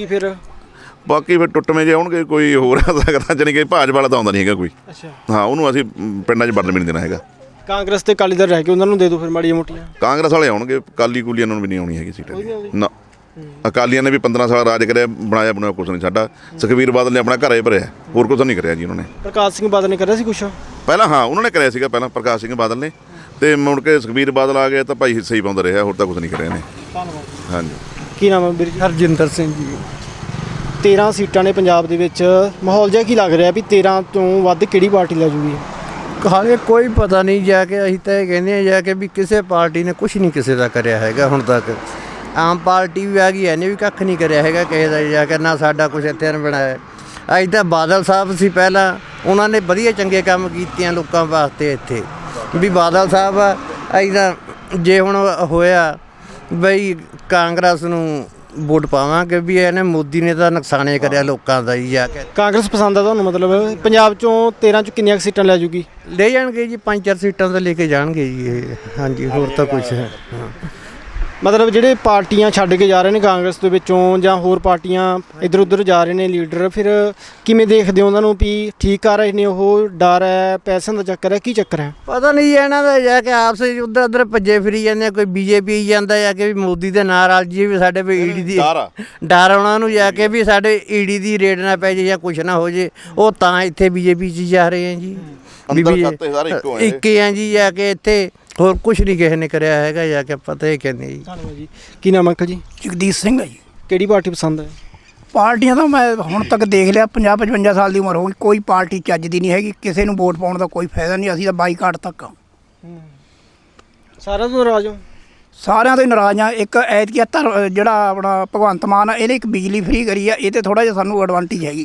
ਬਾਕੀ ਫਿਰ ਟੁੱਟਵੇਂ ਜੇ ਆਉਣਗੇ, ਕੋਈ ਹੋਰ ਆ ਸਕਦਾ। ਜਾਣੀ ਕਿ ਭਾਜਪਾ ਵਾਲਾ ਤਾਂ ਆਉਂਦਾ ਨਹੀਂ ਹੈਗਾ ਕੋਈ।
ਅੱਛਾ,
ਹਾਂ, ਉਹਨੂੰ ਅਸੀਂ ਪਿੰਡਾਂ 'ਚ ਵੜਨ ਵੀ ਨਹੀਂ ਦੇਣਾ ਹੈਗਾ।
ਕਾਂਗਰਸ ਤੇ ਅਕਾਲੀ ਦਲ ਰਹਿ ਕੇ ਉਹਨਾਂ ਨੂੰ ਦੇ ਦਿਓ ਫਿਰ ਮਾੜੀਆਂ ਮੋਟੀਆਂ।
ਕਾਂਗਰਸ ਵਾਲੇ ਆਉਣਗੇ, ਕਾਲੀ ਕੂਲੀਆਂ ਨੂੰ ਵੀ ਨਹੀਂ ਆਉਣੀ ਹੈਗੀ ਸੀਟਾਂ ਨਾ। ਅਕਾਲੀਆਂ ਨੇ ਵੀ 15 ਸਾਲ ਰਾਜ ਕਰਿਆ, ਬਣਾਇਆ ਕੁਛ ਨਹੀਂ ਸਾਡਾ। ਸੁਖਬੀਰ ਬਾਦਲ ਨੇ ਆਪਣਾ ਘਰ ਹੀ ਭਰਿਆ, ਹੋਰ ਕੁਛ ਨਹੀਂ ਕਰਿਆ ਜੀ ਉਹਨਾਂ ਨੇ।
ਪ੍ਰਕਾਸ਼ ਸਿੰਘ ਬਾਦਲ ਨੇ ਕਰਿਆ ਸੀ ਕੁਛ
ਪਹਿਲਾਂ? ਹਾਂ, ਉਹਨਾਂ ਨੇ ਕਰਿਆ ਸੀਗਾ ਪਹਿਲਾਂ, ਪ੍ਰਕਾਸ਼ ਸਿੰਘ ਬਾਦਲ ਨੇ। ਤੇ ਮੁੜ ਕੇ ਸੁਖਬੀਰ ਬਾਦਲ ਆ ਗਏ ਤਾਂ ਭਾਈ ਹਿੱਸੇ ਹੀ ਪਾਉਂਦਾ ਰਿਹਾ, ਹੋਰ ਤਾਂ ਕੁਛ ਨਹੀਂ ਕਰਿਆ ਨੇ।
ਧੰਨਵਾਦ।
ਹਾਂਜੀ।
ਕੀ ਨਾਮ ਹੈ ਵੀਰ ਜੀ?
ਹਰਜਿੰਦਰ ਸਿੰਘ ਜੀ।
13 ਸੀਟਾਂ ਨੇ ਪੰਜਾਬ ਦੇ ਵਿੱਚ, ਮਾਹੌਲ ਜਿਹਾ ਕੀ ਲੱਗ ਰਿਹਾ ਵੀ 13 ਤੋਂ ਵੱਧ ਕਿਹੜੀ ਪਾਰਟੀ ਲੈ ਜੂਗੀ?
ਹਾਲੇ ਕੋਈ ਪਤਾ ਨਹੀਂ, ਜਾ ਕੇ ਅਸੀਂ ਤਾਂ ਇਹ ਕਹਿੰਦੇ ਆ ਜਾ ਕੇ ਵੀ ਕਿਸੇ ਪਾਰਟੀ ਨੇ ਕੁਝ ਨਹੀਂ ਕਿਸੇ ਦਾ ਕਰਿਆ ਹੈਗਾ ਹੁਣ ਤੱਕ। ਆਮ ਪਾਰਟੀ ਵੀ ਆ ਗਈ, ਇਹਨੇ ਵੀ ਕੱਖ ਨਹੀਂ ਕਰਿਆ ਹੈਗਾ ਕਿਸੇ ਦਾ ਜਾ ਕੇ, ਨਾ ਸਾਡਾ ਕੁਛ ਇੱਥੇ ਬਣਾਇਆ। ਅੱਜ ਤਾਂ ਬਾਦਲ ਸਾਹਿਬ ਸੀ ਪਹਿਲਾਂ, ਉਹਨਾਂ ਨੇ ਵਧੀਆ ਚੰਗੇ ਕੰਮ ਕੀਤਿਆਂ ਲੋਕਾਂ ਵਾਸਤੇ ਇੱਥੇ ਵੀ ਬਾਦਲ ਸਾਹਿਬ ਐਦਾਂ ਜੇ ਹੁਣ ਹੋਇਆ ਬਈ ਕਾਂਗਰਸ ਨੂੰ ਵੋਟ ਪਾਵਾਂਗੇ ਵੀ ਇਹਨੇ ਮੋਦੀ ਨੇ ਤਾਂ ਨੁਕਸਾਨੇ ਕਰਿਆ ਲੋਕਾਂ ਦਾ ਹੀ ਜਾ ਕੇ
ਕਾਂਗਰਸ ਪਸੰਦ ਆ ਤੁਹਾਨੂੰ? ਮਤਲਬ ਪੰਜਾਬ ਚੋਂ 13 ਚ ਕਿੰਨੀਆਂ ਕੁ ਸੀਟਾਂ ਲੈ ਜੂਗੀ?
ਲੈ ਜਾਣਗੇ ਜੀ 5-4 ਸੀਟਾਂ ਤਾਂ ਲੈ ਕੇ ਜਾਣਗੇ ਜੀ ਇਹ। ਹਾਂਜੀ ਹੋਰ ਤਾਂ ਕੁਛ ਹੈ ਹਾਂ।
ਮਤਲਬ ਜਿਹੜੇ ਪਾਰਟੀਆਂ ਛੱਡ ਕੇ ਜਾ ਰਹੇ ਨੇ ਕਾਂਗਰਸ ਦੇ ਵਿੱਚੋਂ ਜਾਂ ਹੋਰ ਪਾਰਟੀਆਂ ਇੱਧਰ ਉੱਧਰ ਜਾ ਰਹੇ ਨੇ ਲੀਡਰ, ਫਿਰ ਕਿਵੇਂ ਦੇਖਦੇ ਹੋ ਉਹਨਾਂ ਨੂੰ ਵੀ ਠੀਕ ਕਰ ਰਹੇ ਨੇ ਉਹ? ਡਰ ਹੈ, ਪੈਸਿਆਂ ਦਾ ਚੱਕਰ ਹੈ, ਕੀ ਚੱਕਰ ਹੈ?
ਪਤਾ ਨਹੀਂ ਇਹਨਾਂ ਦਾ ਜਾ ਕੇ ਆਪਸ ਵਿੱਚ ਉੱਧਰ ਉੱਧਰ ਭੱਜੇ ਫਿਰੀ ਜਾਂਦੇ ਆ। ਕੋਈ ਬੀਜੇਪੀ ਜਾਂਦਾ ਜਾ ਕੇ ਵੀ ਮੋਦੀ ਦੇ ਨਾਲ ਰਲ ਜੀ ਵੀ ਸਾਡੇ ਵੀ ਈਡੀ ਦੀ ਡਰ ਉਹਨਾਂ ਨੂੰ ਜਾ ਕੇ ਵੀ ਸਾਡੇ ਈਡੀ ਦੀ ਰੇਡ ਨਾ ਪੈ ਜੇ ਜਾਂ ਕੁਛ ਨਾ ਹੋ ਜੇ, ਉਹ ਤਾਂ ਇੱਥੇ ਬੀਜੇਪੀ 'ਚ ਜਾ ਰਹੇ ਆ ਜੀ। ਇੱਕ ਹੀ ਆ ਜੀ ਜਾ ਕੇ ਇੱਥੇ, ਹੋਰ ਕੁਛ ਨਹੀਂ ਕਿਸੇ ਨੇ ਕਰਿਆ ਹੈਗਾ ਜਾ ਕੇ, ਪਤਾ ਹੀ ਕਹਿੰਦੇ ਜੀ।
ਧੰਨਵਾਦ ਜੀ। ਕੀ ਨਾਮ ਅੰਕਲ ਜੀ?
ਜਗਦੀਸ਼ ਸਿੰਘ ਹੈ ਜੀ।
ਕਿਹੜੀ ਪਾਰਟੀ ਪਸੰਦ ਹੈ?
ਪਾਰਟੀਆਂ ਤਾਂ ਮੈਂ ਹੁਣ ਤੱਕ ਦੇਖ ਲਿਆ, 50-55 ਸਾਲ ਦੀ ਉਮਰ ਹੋ ਗਈ, ਕੋਈ ਪਾਰਟੀ ਚੱਜ ਦੀ ਨਹੀਂ ਹੈਗੀ। ਕਿਸੇ ਨੂੰ ਵੋਟ ਪਾਉਣ ਦਾ ਕੋਈ ਫਾਇਦਾ ਨਹੀਂ। ਅਸੀਂ ਤਾਂ ਬਾਈਕਾਟ ਤੱਕ
ਸਾਰਿਆਂ ਤੋਂ ਨਾਰਾਜ਼ ਹੋ?
ਸਾਰਿਆਂ ਤੋਂ ਹੀ ਨਾਰਾਜ਼ ਆ। ਇੱਕ ਐਤਕੀ ਜਿਹੜਾ ਆਪਣਾ ਭਗਵੰਤ ਮਾਨ ਆ, ਇਹਨੇ ਇੱਕ ਬਿਜਲੀ ਫ੍ਰੀ ਕਰੀ ਆ, ਇਹ ਤੇ ਥੋੜਾ ਜਿਹਾ ਸਾਨੂੰ ਐਡਵਾਂਟੇਜ ਹੈਗੀ।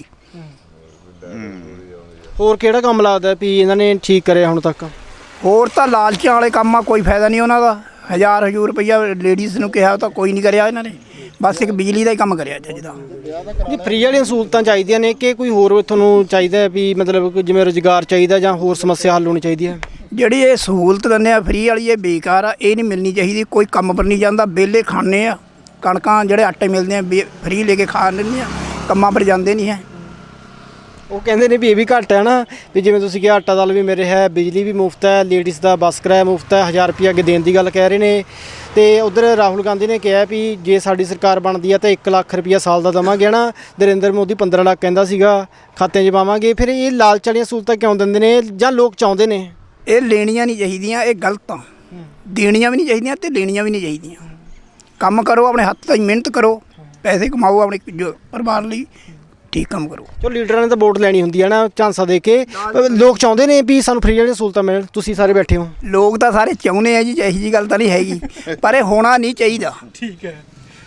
ਹੋਰ ਕਿਹੜਾ ਕੰਮ ਲੱਗਦਾ ਵੀ ਇਹਨਾਂ ਨੇ ਠੀਕ ਕਰਿਆ ਹੁਣ ਤੱਕ?
ਹੋਰ ਤਾਂ ਲਾਲਚਾਂ ਵਾਲੇ ਕੰਮ ਆ, ਕੋਈ ਫਾਇਦਾ ਨਹੀਂ ਉਹਨਾਂ ਦਾ। 1000 ਰੁਪਈਆ ਲੇਡੀਜ਼ ਨੂੰ ਕਿਹਾ ਤਾਂ ਕੋਈ ਨਹੀਂ ਕਰਿਆ ਇਹਨਾਂ ਨੇ, ਬਸ ਇੱਕ ਬਿਜਲੀ ਦਾ ਹੀ ਕੰਮ ਕਰਿਆ ਚੱਜ ਦਾ।
ਜੀ ਫ੍ਰੀ ਵਾਲੀਆਂ ਸਹੂਲਤਾਂ ਚਾਹੀਦੀਆਂ ਨੇ ਕਿ ਕੋਈ ਹੋਰ ਤੁਹਾਨੂੰ ਚਾਹੀਦਾ ਹੈ ਵੀ ਮਤਲਬ ਕਿ ਜਿਵੇਂ ਰੁਜ਼ਗਾਰ ਚਾਹੀਦਾ ਜਾਂ ਹੋਰ ਸਮੱਸਿਆ ਹੱਲ ਹੋਣੀ ਚਾਹੀਦੀ ਹੈ?
ਜਿਹੜੀ ਇਹ ਸਹੂਲਤ ਦਿੰਦੇ ਆ ਫ੍ਰੀ ਵਾਲੀ, ਇਹ ਬੇਕਾਰ ਆ, ਇਹ ਨਹੀਂ ਮਿਲਣੀ ਚਾਹੀਦੀ। ਕੋਈ ਕੰਮ ਪਰ ਨਹੀਂ ਜਾਂਦਾ, ਵਿਹਲੇ ਖਾਣੇ ਆ। ਕਣਕਾਂ ਜਿਹੜੇ ਆਟੇ ਮਿਲਦੇ ਆ ਫ੍ਰੀ ਲੈ ਕੇ ਖਾ ਲੈਂਦੇ ਆ, ਕੰਮਾਂ ਪਰ ਜਾਂਦੇ ਨਹੀਂ ਹੈ।
ਉਹ ਕਹਿੰਦੇ ਨੇ ਵੀ ਇਹ ਵੀ ਘੱਟ ਹੈ ਨਾ, ਵੀ ਜਿਵੇਂ ਤੁਸੀਂ ਕਿਹਾ ਆਟਾ ਦਾਲ ਵੀ ਮੇਰੇ ਹੈ, ਬਿਜਲੀ ਵੀ ਮੁਫਤ ਹੈ, ਲੇਡੀਜ਼ ਦਾ ਬੱਸ ਕਿਰਾਇਆ ਮੁਫਤ ਹੈ, 1000 ਰੁਪਏ ਅੱਗੇ ਦੇਣ ਦੀ ਗੱਲ ਕਹਿ ਰਹੇ ਨੇ। ਤੇ ਉਧਰ ਰਾਹੁਲ ਗਾਂਧੀ ਨੇ ਕਿਹਾ ਵੀ ਜੇ ਸਾਡੀ ਸਰਕਾਰ ਬਣਦੀ ਹੈ ਤਾਂ 1 ਲੱਖ ਰੁਪਈਆ ਸਾਲ ਦਾ ਦੇਵਾਂਗੇ ਨਾ। ਨਰਿੰਦਰ ਮੋਦੀ 15 ਲੱਖ ਕਹਿੰਦਾ ਸੀਗਾ ਖਾਤਿਆਂ 'ਚ ਪਾਵਾਂਗੇ। ਫਿਰ ਇਹ ਲਾਲਚ ਵਾਲੀਆਂ ਸਹੂਲਤਾਂ ਕਿਉਂ ਦਿੰਦੇ ਨੇ ਜਾਂ ਲੋਕ ਚਾਹੁੰਦੇ ਨੇ?
ਇਹ ਲੈਣੀਆਂ ਨਹੀਂ ਚਾਹੀਦੀਆਂ, ਇਹ ਗਲਤ ਆ। ਦੇਣੀਆਂ ਵੀ ਨਹੀਂ ਚਾਹੀਦੀਆਂ ਤੇ ਲੈਣੀਆਂ ਵੀ ਨਹੀਂ ਚਾਹੀਦੀਆਂ। ਕੰਮ ਕਰੋ, ਆਪਣੇ ਹੱਥ ਤੋਂ ਮਿਹਨਤ ਕਰੋ, ਪੈਸੇ ਕਮਾਓ ਆਪਣੇ ਪਰਿਵਾਰ ਲਈ, ਠੀਕ ਕੰਮ ਕਰੋ।
ਚਲੋ ਲੀਡਰਾਂ ਨੇ ਤਾਂ ਵੋਟ ਲੈਣੀ ਹੁੰਦੀ ਹੈ ਨਾ ਝਾਂਸਾ ਦੇ ਕੇ। ਲੋਕ ਚਾਹੁੰਦੇ ਨੇ ਵੀ ਸਾਨੂੰ ਫ੍ਰੀ ਵਾਲੀਆਂ ਸਹੂਲਤਾਂ ਮਿਲਣ। ਤੁਸੀਂ ਸਾਰੇ ਬੈਠੇ ਹੋ,
ਲੋਕ ਤਾਂ ਸਾਰੇ ਚਾਹੁੰਦੇ ਆ ਜੀ, ਇਹੋ ਜਿਹੀ ਗੱਲ ਤਾਂ ਨਹੀਂ ਹੈਗੀ, ਪਰ ਇਹ ਹੋਣਾ ਨਹੀਂ ਚਾਹੀਦਾ।
ਠੀਕ ਹੈ।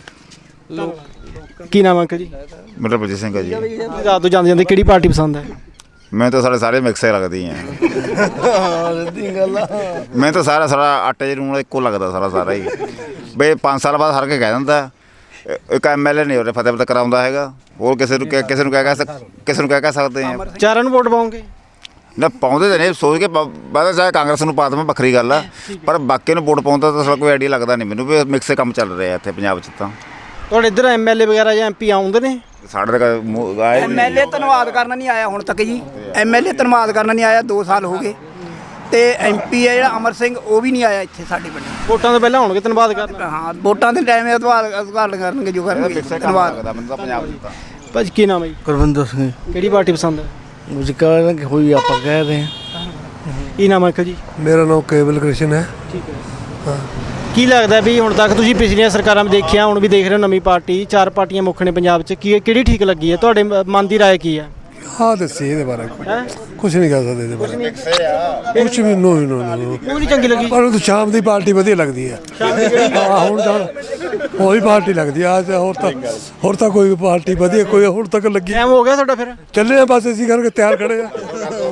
ਕੀ ਨਾਮ ਅੰਕਲ ਜੀ?
ਮੇਰਾ ਬਲਜੀਤ ਸਿੰਘ ਹੈ ਜੀ।
ਰਾਤ ਤੋਂ ਜਾਂਦੇ ਜਾਂਦੇ ਕਿਹੜੀ ਪਾਰਟੀ ਪਸੰਦ ਹੈ?
ਮੈਂ ਤਾਂ ਸਾਰੇ ਮਿਕਸੇ ਲੱਗਦੀ ਆ। ਮੈਂ ਤਾਂ ਸਾਰਾ ਆਟੇ ਦੇ ਲੂਣ ਇੱਕੋ ਲੱਗਦਾ ਸਾਰਾ ਹੀ। ਬਈ 5 ਸਾਲ ਬਾਅਦ ਹਰ ਕੇ ਕਹਿ ਦਿੰਦਾ ਇੱਕ ਐਮਐਲਏ ਨਹੀਂ ਉਹਨੇ ਫਤਿਹ ਕਰਾਉਂਦਾ ਹੈਗਾ। ਹੋਰ ਕਿਸੇ ਨੂੰ ਕਹਿ ਸਕਦੇ ਆ।
ਚਾਰਾਂ ਨੂੰ ਵੋਟ ਪਾਉਂਗੇ?
ਨਾ ਪਾਉਂਦੇ ਤਾਂ ਨਹੀਂ, ਸੋਚ ਕੇ ਬਾਅਦ ਚਾਹੇ ਕਾਂਗਰਸ ਨੂੰ ਪਾ ਦੇਵਾਂ ਵੱਖਰੀ ਗੱਲ ਆ, ਪਰ ਬਾਕੀ ਨੂੰ ਵੋਟ ਪਾਉਂਦਾ ਤਾਂ ਕੋਈ ਆਈਡੀਆ ਲੱਗਦਾ ਨਹੀਂ ਮੈਨੂੰ ਵੀ ਮਿਕਸੇ ਕੰਮ ਚੱਲ ਰਿਹਾ ਇੱਥੇ ਪੰਜਾਬ 'ਚ। ਤਾਂ
ਤੁਹਾਡੇ ਇੱਧਰ ਐਮਐਲਏ ਵਗੈਰਾ ਜਾਂ ਐਮਪੀ ਆਉਂਦੇ ਨੇ?
ਸਾਡੇ ਤੱਕ ਆਏ
ਐਮਐਲਏ ਧੰਨਵਾਦ ਕਰਨ ਨਹੀਂ ਆਇਆ ਹੁਣ ਤੱਕ ਜੀ। ਐਮਐਲਏ ਧੰਨਵਾਦ ਕਰਨ ਨਹੀਂ ਆਇਆ, 2 ਸਾਲ ਹੋ ਗਏ। ਤੇ ਐਮਪੀ ਹੈ ਜਿਹੜਾ ਅਮਰ ਸਿੰਘ, ਉਹ ਵੀ ਨਹੀਂ ਆਇਆ ਇੱਥੇ ਸਾਡੇ ਪਿੰਡ।
ਵੋਟਾਂ ਤੋਂ ਪਹਿਲਾਂ ਹੋਣਗੇ ਧੰਨਵਾਦ ਕਰਨ?
ਹਾਂ, ਵੋਟਾਂ ਦੇ ਟਾਈਮ ਧੰਨਵਾਦ ਕਰਨਗੇ ਜੋ ਕਰਨਗੇ। ਧੰਨਵਾਦ।
ਮੈਨੂੰ ਤਾਂ ਪੰਜਾਬ 'ਚ ਤਾਂ
ਭਾਜੀ ਕੀ ਨਾਮ ਹੈ ਜੀ?
ਗੁਰਵਿੰਦਰ ਸਿੰਘ
ਕਿਹੜੀ ਪਾਰਟੀ ਪਸੰਦ ਹੈ?
ਮੁਝਕਾ ਹੋਈ ਆਪਾਂ ਕਹਿ ਰਹੇ
ਕੀ ਨਾਮ ਹੈ ਅੰਕਲ ਜੀ?
ਮੇਰਾ ਨਾਮ ਕੇਵਲ ਕ੍ਰਿਸ਼ਨ ਹੈ।
ਠੀਕ ਹੈ। ਕੀ ਲੱਗਦਾ ਵੀ ਹੁਣ ਤੱਕ ਤੁਸੀਂ ਪਿਛਲੀਆਂ ਸਰਕਾਰਾਂ ਵਿੱਚ ਦੇਖਿਆ, ਹੁਣ ਵੀ ਦੇਖ ਰਹੇ ਹੋ ਨਵੀਂ ਪਾਰਟੀ, 4 ਪਾਰਟੀਆਂ ਮੁੱਖ ਨੇ ਪੰਜਾਬ 'ਚ, ਕਿਹੜੀ ਠੀਕ ਲੱਗੀ ਹੈ? ਤੁਹਾਡੇ ਮਨ ਦੀ ਰਾਏ ਕੀ ਹੈ?
ਹਾਂ ਦੱਸੀ ਇਹਦੇ ਬਾਰੇ ਕੁਝ ਨਹੀਂ ਕਹਿ ਸਕਦੇ ਇਹਦੇ ਬਾਰੇ। ਕੁਝ ਵੀ ਨੋ
ਕਿਉਂ ਨਹੀਂ ਚੰਗੀ ਲੱਗੀ?
ਪਰ ਤਾਂ ਸ਼ਾਮ ਦੀ ਪਾਰਟੀ ਵਧੀਆ ਲੱਗਦੀ ਹੈ। ਹਾਂ ਹੁਣ ਤਾਂ ਉਹੀ ਪਾਰਟੀ ਲੱਗਦੀ ਆ। ਹੋਰ ਤਾਂ ਕੋਈ ਪਾਰਟੀ ਵਧੀਆ ਕੋਈ ਹੁਣ ਤੱਕ ਲੱਗੀ।
ਟਾਈਮ ਹੋ ਗਿਆ ਤੁਹਾਡਾ ਫਿਰ?
ਚੱਲੇ ਆ ਬਸ ਅਸੀਂ ਕਰਕੇ ਤਿਆਰ ਖੜੇ ਆ।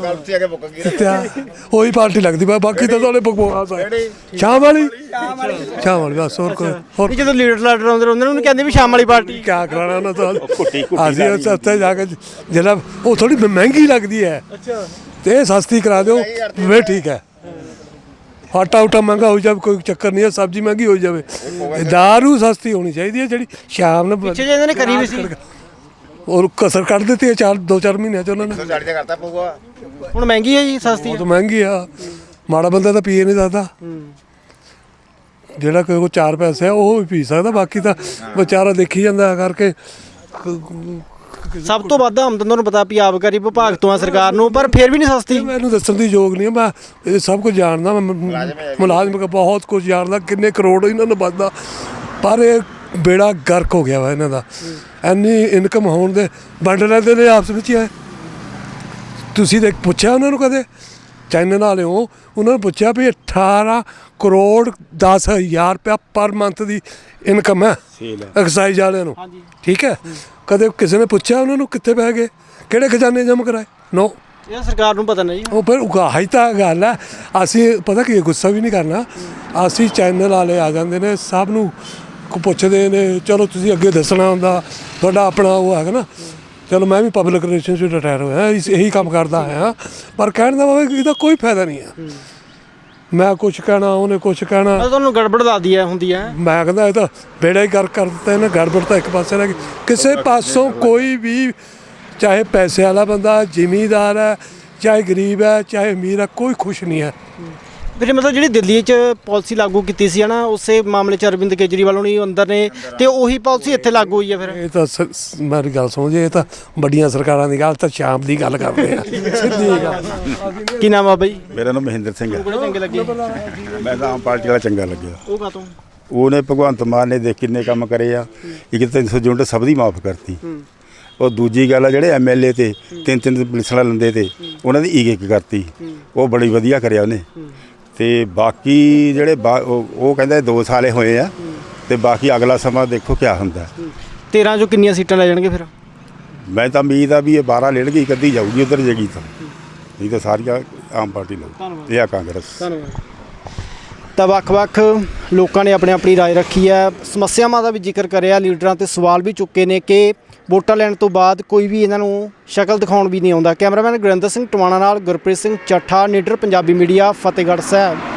ਉਹੀ ਪਾਰਟੀ ਲੱਗਦੀ ਬਾਕੀ ਤਾਂ ਤੁਹਾਡੇ ਬਕਵਾਸ ਆ। ਸ਼ਾਮ ਵਾਲੀ ਬਸ ਹੋਰ ਕੋਈ ਹੋਰ
ਜਦੋਂ ਲੀਡਰ ਆਉਂਦੇ ਉਹਨਾਂ ਨੂੰ ਕਹਿੰਦੇ ਵੀ ਸ਼ਾਮ ਵਾਲੀ ਪਾਰਟੀ
ਕਿਆ ਕਰਾਣਾ ਉਹਨਾਂ ਤੋਂ। ਅਸੀਂ ਉੱਥੇ ਜਾ ਕੇ ਜਿਹੜਾ ਉਹ ਥੋੜੀ ਮਹਿੰਗੀ ਲੱਗਦੀ ਹੈ ਤੇ ਇਹ ਸਸਤੀ ਕਰਾ ਦਿਓ ਵੇ ਠੀਕ ਹੈ। ਆਟਾ ਮਹਿੰਗਾ ਹੋ ਜਾਵੇ ਕੋਈ ਚੱਕਰ ਨਹੀਂ ਹੈ, ਸਬਜ਼ੀ ਮਹਿੰਗੀ ਹੋ ਜਾਵੇ, ਦਾਰੂ ਸਸਤੀ ਹੋਣੀ ਚਾਹੀਦੀ ਹੈ ਜਿਹੜੀ ਸ਼ਾਮ ਨੂੰ।
ਪਿੱਛੇ ਜਿਹਨਾਂ ਨੇ ਕਰੀ ਵੀ ਸੀ
ਔਰ ਕਸਰ ਕੱਢ ਦਿੱਤੀ ਹੈ 2-4 ਮਹੀਨਿਆਂ 'ਚ ਉਹਨਾਂ ਨੇ।
ਹੁਣ ਮਹਿੰਗੀ ਹੈ ਜੀ ਸਸਤੀ?
ਬਹੁਤ ਮਹਿੰਗੀ ਆ, ਮਾੜਾ ਬੰਦਾ ਤਾਂ ਪੀਏ ਨਹੀਂ ਸਕਦਾ। ਜਿਹੜਾ ਕੋਈ ਕੋ 4 ਪੈਸੇ ਆ ਉਹ ਵੀ ਪੀ ਸਕਦਾ, ਬਾਕੀ ਤਾਂ ਵਿਚਾਰਾ ਦੇਖੀ ਜਾਂਦਾ ਕਰਕੇ।
ਸਭ ਤੋਂ ਵੱਧ ਆਮਦਨ ਤੁਹਾਨੂੰ ਪਤਾ ਵੀ ਆਬਕਾਰੀ ਵਿਭਾਗ ਤੋਂ ਆ ਸਰਕਾਰ ਨੂੰ, ਪਰ ਫਿਰ ਵੀ ਨਹੀਂ ਸਸਤੀ।
ਮੈਨੂੰ ਦੱਸਣ ਦੀ ਯੋਗ ਨਹੀਂ, ਮੈਂ ਇਹ ਸਭ ਕੁਝ ਜਾਣਦਾ। ਮੈਂ ਮੁਲਾਜ਼ਮ ਬਹੁਤ ਕੁਝ ਜਾਣਦਾ, ਕਿੰਨੇ ਕਰੋੜ ਇਹਨਾਂ ਨੂੰ ਵੱਧਦਾ, ਪਰ ਇਹ ਬੇੜਾ ਗਰਕ ਹੋ ਗਿਆ ਵਾ ਇਹਨਾਂ ਦਾ। ਇੰਨੀ ਇਨਕਮ ਹੋਣ ਦੇ ਵੰਡ ਲੈਂਦੇ ਨੇ ਆਪਸ ਵਿੱਚ ਹੀ। ਤੁਸੀਂ ਦੇਖ ਪੁੱਛਿਆ ਉਹਨਾਂ ਨੂੰ ਕਦੇ? ਚੈਨਲ ਵਾਲਿਓ ਉਹਨਾਂ ਨੂੰ ਪੁੱਛਿਆ ਵੀ 18 ਕਰੋੜ 10,000 ਰੁਪਇਆ ਪਰ ਮੰਥ ਦੀ ਇਨਕਮ ਹੈ ਐਕਸਾਈਜ਼ ਵਾਲਿਆਂ ਨੂੰ। ਠੀਕ ਹੈ, ਕਦੇ ਕਿਸੇ ਨੇ ਪੁੱਛਿਆ ਉਹਨਾਂ ਨੂੰ ਕਿੱਥੇ ਪੈ ਗਏ, ਕਿਹੜੇ ਖਜ਼ਾਨੇ ਜਮ੍ਹਾਂ ਕਰਾਏ? ਨੋ।
ਇਹ ਸਰਕਾਰ ਨੂੰ ਪਤਾ ਨਹੀਂ
ਉਹ ਫਿਰ ਉਗਾਹੀ ਤਾਂ ਗੱਲ ਹੈ। ਅਸੀਂ ਪਤਾ ਕੀ ਗੁੱਸਾ ਵੀ ਨਹੀਂ ਕਰਨਾ, ਅਸੀਂ ਚੈਨਲ ਵਾਲੇ ਆ ਜਾਂਦੇ ਨੇ ਸਭ ਨੂੰ ਪੁੱਛਦੇ ਨੇ, ਚਲੋ ਤੁਸੀਂ ਅੱਗੇ ਦੱਸਣਾ ਹੁੰਦਾ, ਤੁਹਾਡਾ ਆਪਣਾ ਉਹ ਹੈਗਾ ਨਾ। ਚਲੋ ਮੈਂ ਵੀ ਪਬਲਿਕ ਰਿਲੇਸ਼ਨਸ ਵਿੱਚ ਰਿਟਾਇਰ ਹੋਇਆ, ਇਹੀ ਕੰਮ ਕਰਦਾ ਆਇਆ, ਪਰ ਕਹਿਣ ਦਾ ਭਾਵੇਂ ਇਹਦਾ ਕੋਈ ਫਾਇਦਾ ਨਹੀਂ ਹੈ। ਮੈਂ ਕੁਛ ਕਹਿਣਾ, ਉਹਨੇ ਕੁਛ ਕਹਿਣਾ,
ਤੁਹਾਨੂੰ ਗੜਬੜ ਦੱਸਦੀ ਹੈ ਹੁੰਦੀ ਹੈ।
ਮੈਂ ਕਹਿੰਦਾ ਇਹ ਤਾਂ ਬੇੜਾ ਹੀ ਕਰ ਦਿੱਤਾ ਇਹਨੇ, ਗੜਬੜ ਤਾਂ ਇੱਕ ਪਾਸੇ ਰਹਿ ਗਈ। ਕਿਸੇ ਪਾਸੋਂ ਕੋਈ ਵੀ, ਚਾਹੇ ਪੈਸੇ ਵਾਲਾ ਬੰਦਾ, ਜ਼ਿਮੀਂਦਾਰ ਹੈ, ਚਾਹੇ ਗਰੀਬ ਹੈ, ਚਾਹੇ ਅਮੀਰ ਹੈ, ਕੋਈ ਖੁਸ਼ ਨਹੀਂ ਹੈ।
ਵੀਰੇ ਮਤਲਬ ਜਿਹੜੀ ਦਿੱਲੀ 'ਚ ਪਾਲਿਸੀ ਲਾਗੂ ਕੀਤੀ ਸੀ ਨਾ, ਉਸੇ ਮਾਮਲੇ 'ਚ ਅਰਵਿੰਦ ਕੇਜਰੀਵਾਲ ਹੁਣੀ ਅੰਦਰ ਨੇ ਤੇ ਉਹੀ ਪਾਲਿਸੀ ਇੱਥੇ ਲਾਗੂ ਹੋਈ ਹੈ। ਫਿਰ
ਇਹ ਤਾਂ ਮੇਰੀ ਗੱਲ ਸੁਣੋ ਜੀ, ਇਹ ਤਾਂ ਵੱਡੀਆਂ ਸਰਕਾਰਾਂ ਦੀ ਗੱਲ, ਤਾਂ ਸ਼ਾਮ ਦੀ ਗੱਲ ਕਰਦੇ ਆ, ਸਿੱਧੀ ਗੱਲ।
ਕੀ ਨਾਮ ਆ ਬਾਈ?
ਮੇਰਾ ਨਾਮ ਮਹਿੰਦਰ ਸਿੰਘ ਹੈ।
ਕਿਹੜੇ ਚੰਗੇ ਲੱਗੇ?
ਮੈਂ ਤਾਂ ਆਮ ਪਾਰਟੀ ਵਾਲਾ ਚੰਗਾ ਲੱਗਿਆ।
ਉਹ ਕਾਹਤੋਂ?
ਉਹਨੇ ਭਗਵੰਤ ਮਾਨ ਨੇ ਦੇਖ ਕਿੰਨੇ ਕੰਮ ਕਰੇ ਆ। ਇੱਕ 300 ਯੂਨਿਟ ਸਭ ਦੀ ਮਾਫ ਕਰਤੀ। ਉਹ ਦੂਜੀ ਗੱਲ ਆ, ਜਿਹੜੇ ਐਮਐਲਏ ਤੇ ਤਿੰਨ ਪੁਲਿਸਾਂ ਲੈਂਦੇ ਤੇ ਉਹਨਾਂ ਦੀ ਇੱਕ ਕਰਤੀ, ਉਹ ਬੜੀ ਵਧੀਆ ਕਰਿਆ ਉਹਨੇ। ਤੇ ਬਾਕੀ ਜਿਹੜੇ ਉਹ ਕਹਿੰਦਾ 2 ਸਾਲੇ ਹੋਏ ਆ, ਤੇ ਬਾਕੀ ਅਗਲਾ ਸਮਾਂ ਦੇਖੋ ਕੀ ਹੁੰਦਾ।
13 ਚੋਂ ਕਿੰਨੀਆਂ ਸੀਟਾਂ ਲੈ ਜਾਣਗੇ ਫਿਰ?
ਮੈਂ ਤਾਂ ਉਮੀਦ ਆ ਵੀ ਇਹ 12 ਲੈਣ ਗਈ, ਕੱਢੀ ਜਾਊਗੀ ਉਧਰ ਜੇਗੀ ਤਾਂ, ਨਹੀਂ ਤਾਂ ਸਾਰੀਆਂ ਆਮ ਪਾਰਟੀ ਲਊ ਇਹ ਆ ਕਾਂਗਰਸ।
ਤਾਂ ਵੱਖ-ਵੱਖ ਲੋਕਾਂ ਨੇ ਆਪਣੀ ਰਾਏ ਰੱਖੀ ਹੈ, ਸਮੱਸਿਆਵਾਂ ਦਾ ਵੀ ਜ਼ਿਕਰ ਕਰਿਆ, ਲੀਡਰਾਂ ਤੇ ਸਵਾਲ ਵੀ ਚੁੱਕੇ ਨੇ ਕਿ ਵੋਟਾਂ ਲੈਣ ਤੋਂ ਬਾਅਦ ਕੋਈ ਵੀ ਇਹਨਾਂ ਨੂੰ ਸ਼ਕਲ ਦਿਖਾਉਣ ਵੀ ਨਹੀਂ ਆਉਂਦਾ। ਕੈਮਰਾਮੈਨ ਗੁਰਿੰਦਰ ਸਿੰਘ ਟਵਾਣਾ ਨਾਲ ਗੁਰਪ੍ਰੀਤ ਸਿੰਘ ਚੱਠਾ, ਨੀਡਰ ਪੰਜਾਬੀ ਮੀਡੀਆ, ਫਤਿਹਗੜ੍ਹ ਸਾਹਿਬ।